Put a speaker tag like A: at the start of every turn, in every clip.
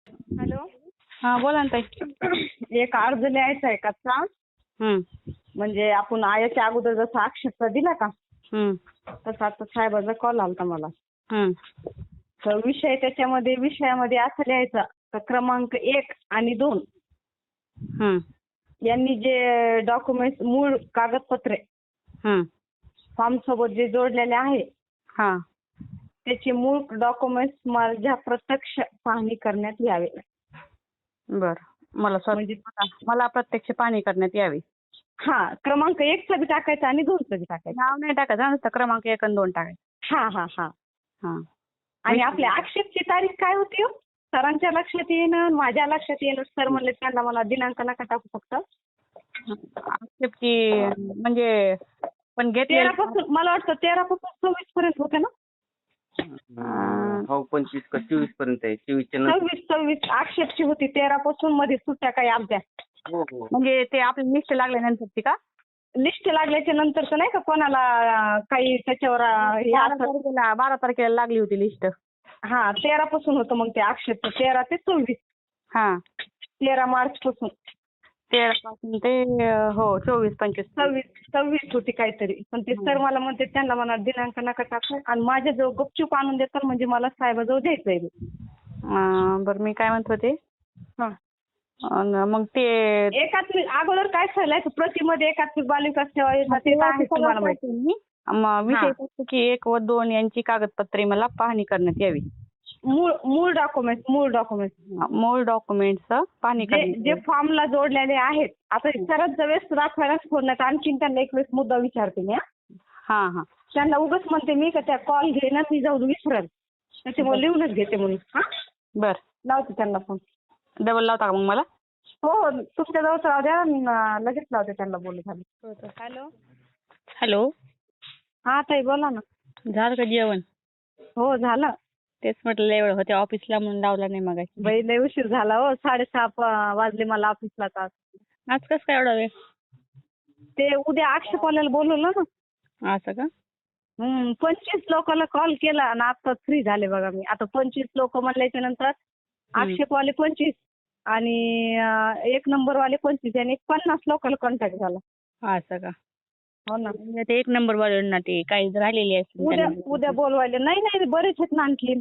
A: Hello.
B: हा बोला ना ताई.
A: एक अर्ज लिहायचा आहे कच्चा. म्हणजे आपण याच्या अगोदर जसा आक्षेप दिला का तसा आता साहेबाचा कॉल आलता मला. तर विषयामध्ये असं लिहायचं तर क्रमांक 1 आणि 2 यांनी जे डॉक्युमेंट मूळ कागदपत्रे फॉर्म सोबत जे जोडलेले आहे त्याचे मूळ डॉक्युमेंट्स माझ्या प्रत्यक्ष पाहणी करण्यात यावे.
B: बर. मला प्रत्यक्ष पाहणी करण्यात यावी.
A: हा, क्रमांक 1 चा बी टाकायचा आणि 2 चा बी टाकायचं.
B: नाव नाही टाकायचं, नुसतं क्रमांक 1 आणि 2 टाकायचं.
A: हा हा हा हा. आणि आपल्या आक्षेपची तारीख काय होती? सरांच्या लक्षात येईन, माझ्या लक्षात येईन. सर म्हणले त्यांना मला दिनांक नका टाकू फक्त.
B: आक्षेपची म्हणजे पण घेतलेलं
A: 13 पासून मला वाटतं 13 पासून 26 पर्यंत होते ना.
C: हो 25 का 24 पर्यंत आहे.
A: 26 आक्षेपची होती. 13 पासून मध्ये सुट्ट्या काही आमच्या.
C: हो हो.
B: म्हणजे ते आपली लिस्ट लागल्यानंतरची का?
A: लिस्ट लागल्याच्या नंतरच नाही का कोणाला काही त्याच्यावर हे
B: 12 तारखेला लागली होती लिस्ट.
A: हा, 13 पासून होतं मग ते आक्षेप. 13 ते 24.
B: हा,
A: 13 मार्च पासून
B: 13 पासून ते 24 25
A: 26 होती काहीतरी. पण ते सर मला म्हणते त्यांना म्हणा दिनांक नका टाकू आणि माझ्याजवळ गुपचूप आणून देतात म्हणजे मला साहेबाजवळ द्यायचंय.
B: बरं मी काय म्हणत होते,
A: हा,
B: मग ते
A: एकात्मिक अगोदर काय चाललंय प्रतिमध्ये एकात्मिक बालविकास सेवा योजना ते आहे तुम्हाला माहिती.
B: विषय असतो की 1 व 2 यांची कागदपत्रे मला पाहणी करण्यात यावी.
A: मूळ
B: डॉक्युमेंट्स पाहणी
A: जे फॉर्मला जोडलेले आहेत. आता सरच वेळेस दाखवायलाच फोन नाही, आणखीन त्यांना एक वेळेस मुद्दा विचारते मी.
B: हा हा,
A: त्यांना उगाच म्हणते मी का त्या कॉल घे ना, मी जाऊन विसरेल त्याच्यामुळे लिहूनच घेते म्हणून. हा
B: बर,
A: लावते त्यांना फोन.
B: डबल लावता का मग मला?
A: हो, तुमच्या जवळ राहू द्या, लगेच लावते त्यांना. बोलू झालं. हॅलो.
B: हॅलो.
A: हा ताई बोला ना.
B: झालं का जेवण?
A: हो झालं.
B: तेच म्हटलं एवढं होते ऑफिसला म्हणून लावला नाही मग.
A: बाई लय उशीर झाला हो. 6:30 वाजले मला ऑफिसला.
B: आज कसं काय एवढा वेळ?
A: ते उद्या आक्षेपवाल्याला बोलवलं ना.
B: असं का?
A: 25 लोकांना कॉल केला आणि आता फ्री झाले बघा मी. आता 25 लोक म्हणल्याच्या नंतर आक्षेपवाले 25 आणि 1 नंबरवाले 25 आणि 50 लोकांना कॉन्टॅक्ट झाला.
B: असं का?
A: हो ना.
B: ते 1 नंबर वाल्यांना ते काही राहिलेली असते.
A: उद्या बोलवायला नाही बरेच आहेत ना आणखी.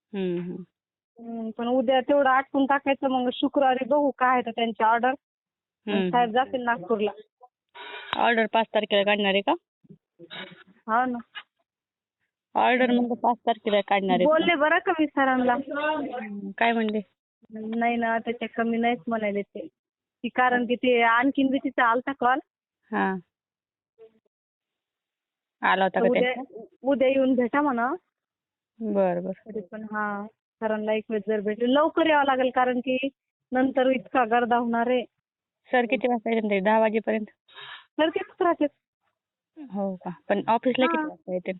A: पण उद्या तेवढं आटपून टाकायचं. मग शुक्रवारी बघू काय आहे त्यांची ऑर्डर. साहेब जातील नागपूरला.
B: ऑर्डर 5 तारखेला काढणार आहे का?
A: हो ना.
B: ऑर्डर मग 5 तारखेला काढणार आहे.
A: बोलले बरं का मी सरांना.
B: काय म्हणले?
A: नाही ना, त्याच्या कमी नाहीच म्हणाले ते. कारण की ते आणखीन बी तिचा आलता कॉल.
B: हा, आला होता का?
A: उद्या येऊन भेटा म्हणा.
B: बरं बरं.
A: तरी पण हा, सरांना एक वेळ जर भेटले लवकर यावं लागेल कारण की नंतर इतका गर्दा होणार आहे.
B: सर किती वाजता येतील? 10 वाजेपर्यंत.
A: सर कितीच राहते?
B: हो का? पण ऑफिसला किती वाजता येतील?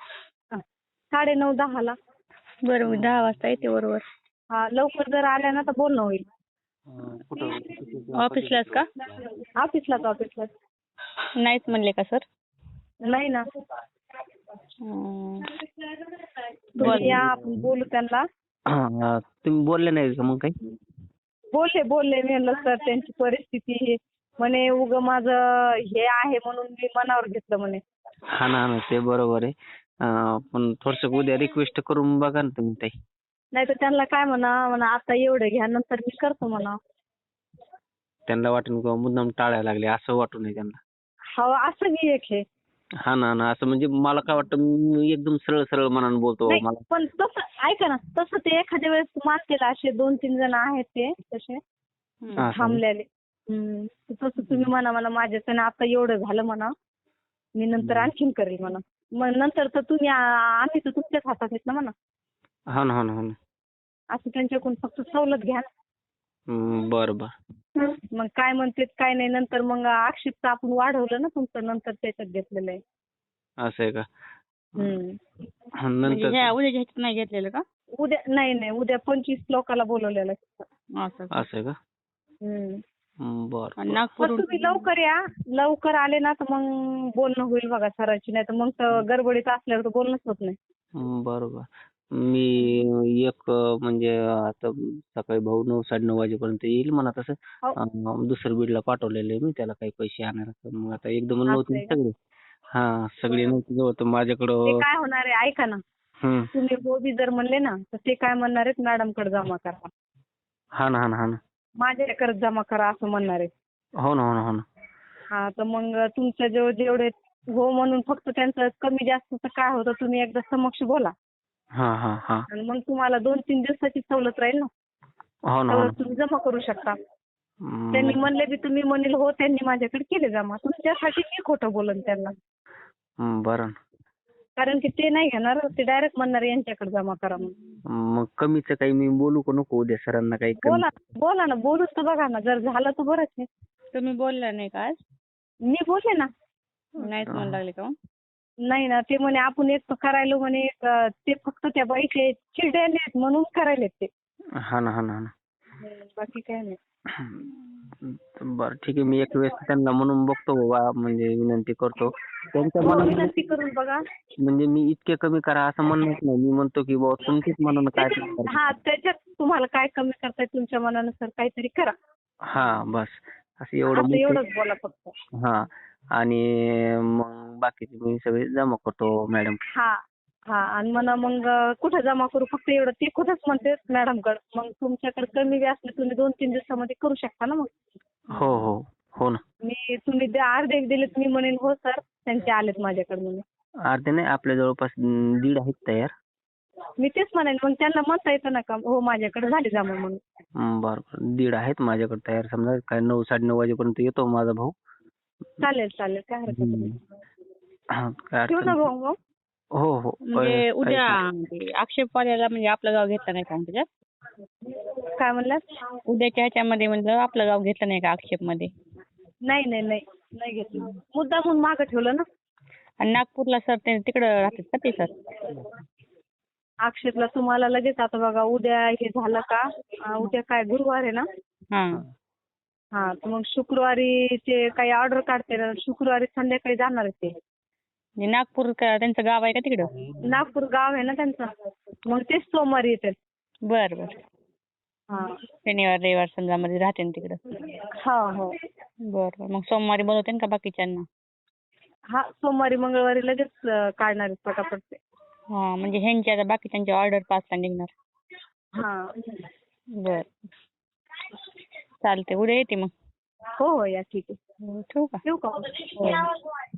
A: 9:30 10ला.
B: बरं, मी 10 वाजता येते बरोबर.
A: हा, लवकर जर आल्या ना तर बोलणं होईल.
B: ऑफिसलाच का?
A: ऑफिसलाच.
B: नाहीच म्हणले का सर?
A: नाही ना. या आपण बोलू त्यांना.
C: तुम्ही बोलले नाही का मग काही?
A: बोलले मी म्हणलं सर त्यांची परिस्थिती म्हणे उग माझं हे आहे म्हणून मी मनावर घेतलं म्हणे.
C: हा ना, ते बरोबर आहे. पण थोडस उद्या रिक्वेस्ट करून बघा ना तुम्ही ताई.
A: नाही तर त्यांना काय म्हणा आता एवढं घ्या नंतर मी करतो म्हणा.
C: त्यांना वाटून किंवा मुद्दाम टाळायला लागले असं वाटू नये त्यांना.
A: हो, असं बी एक आहे.
C: हा ना, असं म्हणजे मला काय वाटतं मी एकदम सरळ मनाने बोलतो. मला
A: पण तसं ऐका ना, तसं ते एखाद्या वेळेस मानतील. असे 2-3 जण आहेत ते तसे थांबलेले. तसं तुम्ही म्हणा माझ्याच्यानं आता एवढं झालं म्हणा, मी नंतर आणखीन करेल म्हणा. मग नंतर तर तुम्ही आम्ही तर तुमच्याच हातात आहेत ना म्हणा.
C: हो ना.
A: असं त्यांच्याकडून फक्त सवलत घ्या.
C: बरं.
A: मग काय म्हणते काय नाही. नंतर मग आक्षेप आपण वाढवलं ना तुमचं, नंतर त्याच्यात घेतलेलं आहे.
C: असं आहे का?
B: म्हणजे उद्या नाही घेतलेलं का?
A: उद्या नाही, उद्या 25 लोकांना बोलवलेलं आहे.
C: असं आहे का? बरं.
A: तुम्ही लवकर या. लवकर आले ना तर मग बोलणं होईल बघा सरांची. नाही तर मग गडबडीत असल्यावर तर बोलणंच होत नाही.
C: बरोबर. मी म्हणजे आता सकाळी भाऊ 9-9:30 वाजेपर्यंत येईल म्हणा तसं.
A: हो.
C: दुसरं बीडला पाठवलेलं आहे मी त्याला काही पैसे आणायला. तर मग आता एकदम
A: असं
C: नव्हते
A: आहे का?
C: सगळे. सगळे नव्हते जवळ तर
A: ते
C: माझ्याकडं.
A: काय होणार आहे ऐका ना,
C: हम्म.
A: तुम्ही हो बी जर म्हणले ना तर ते काय म्हणणार आहेत मॅडमकडे जमा करा,
C: हा ना.
A: माझ्याकडे जमा करा असं म्हणणार आहे.
C: हो ना.
A: हा तर मग तुमच्या जेवढे हो म्हणून फक्त त्यांचं कमी जास्तचं काय होतं तुम्ही एकदा समक्ष बोला
C: हा.
A: आणि मग तुम्हाला 2-3 दिवसाची सवलत राहील ना.
C: हो ना.
A: सवलत तुम्ही जमा करू शकता. त्यांनी म्हणले बी तुम्ही म्हणेल हो त्यांनी माझ्याकडे केले जमा, तुमच्यासाठी मी खोटं बोलन त्यांना.
C: बरं.
A: कारण की ते नाही घेणार, ते डायरेक्ट म्हणणार यांच्याकडे जमा करा म्हणून.
C: मग कमीचं काही मी बोलू का नको उद्या सरांना काही कमी?
A: बोला ना, बोलूच तर बघा ना, जर झालं तर बरंच आहे.
B: तुम्ही बोलला नाही का आज?
A: मी बोलले ना.
B: नाहीच म्हणू लागले का मग?
A: नाही ना, ते म्हणे आपण एक करायलो म्हणे, ते फक्त त्या बाईचे चिडलेले आहेत म्हणून करायलेत ते.
C: हा ना.
A: बाकी काय नाही.
C: बरं ठीक आहे, मी एक वेळेस त्यांना म्हणून बघतो बाबा, म्हणजे विनंती करतो त्यांच्या
A: हो,
C: मनात.
A: विनंती करून बघा.
C: म्हणजे मी इतके कमी करा असं म्हणत नाही. मी म्हणतो की बाबा तुमच्याच मनानं काय करता.
A: हा, त्याच्यात तुम्हाला काय कमी करताय तुमच्या मनानुसार काहीतरी करा.
C: बस असं एवढं
A: असं एवढंच बोला फक्त.
C: हा. आणि मग बाकीचे मी सगळे जमा करतो मॅडम.
A: हा आणि म्हणा मग कुठं जमा करू फक्त एवढं ते कुठंच म्हणते मॅडमकडे. मग तुमच्याकडे कमी बी असले तुम्ही 2-3 दिवसामध्ये करू शकता ना मग.
C: हो ना.
A: तुम्ही अर्धे दिले मी म्हणेन हो सर त्यांचे आलेत माझ्याकडे म्हणून.
C: अर्धे नाही, आपल्या जवळपास 1.5 आहेत तयार.
A: मी तेच म्हणेन मग त्यांना म्हणता येतं ना का हो माझ्याकडे झाले जमा म्हणून.
C: बरं 1.5 आहेत माझ्याकडे तयार. समजा काय 9-9:30 वाजेपर्यंत येतो माझा भाऊ.
A: चालेल काय हरकत नाही.
C: काय
A: ठेवू
C: अडचण
A: ना
C: नाही.
A: भाऊ मग.
C: हो.
B: म्हणजे उद्या ते आक्षेपवाल्याला म्हणजे आपलं गाव घेतलं नाही का मग त्याच्यात?
A: काय म्हणलात?
B: उद्याच्या ह्याच्यामध्ये म्हणजे आपलं गाव घेतलं नाही का आक्षेपमध्ये?
A: नाही घेतलं. मुद्दा म्हणून मागं ठेवलं ना.
B: आणि नागपूरला सर ते तिकडं राहतात का ते सर?
A: आक्षेपला तुम्हाला लगेच आता बघा उद्या हे झालं का, उद्या काय गुरुवार आहे ना.
B: हां.
A: तर मग शुक्रवारी ते काही ऑर्डर काढते ना, शुक्रवारी संध्याकाळी जाणार आहे ते.
B: म्हणजे नागपूर त्यांचं गाव आहे का तिकडं?
A: नागपूर गाव आहे ना त्यांचं, मग तेच सोमवारी येतात.
B: बरं. शनिवार रविवार समजा मध्ये राहते ना तिकडं?
A: हो.
B: बरं. मग सोमवारी बोलवते का बाकीच्यांना?
A: सोमवारी मंगळवारी लगेच काढणार आहेत पटापट ते.
B: म्हणजे ह्यांच्या आता बाकीच्यांची ऑर्डर 5ला निघणार. बरं. चालते, उद्या येते मग.
A: हो या ठीक आहे.
B: ठेवू का?
A: ठेवू का?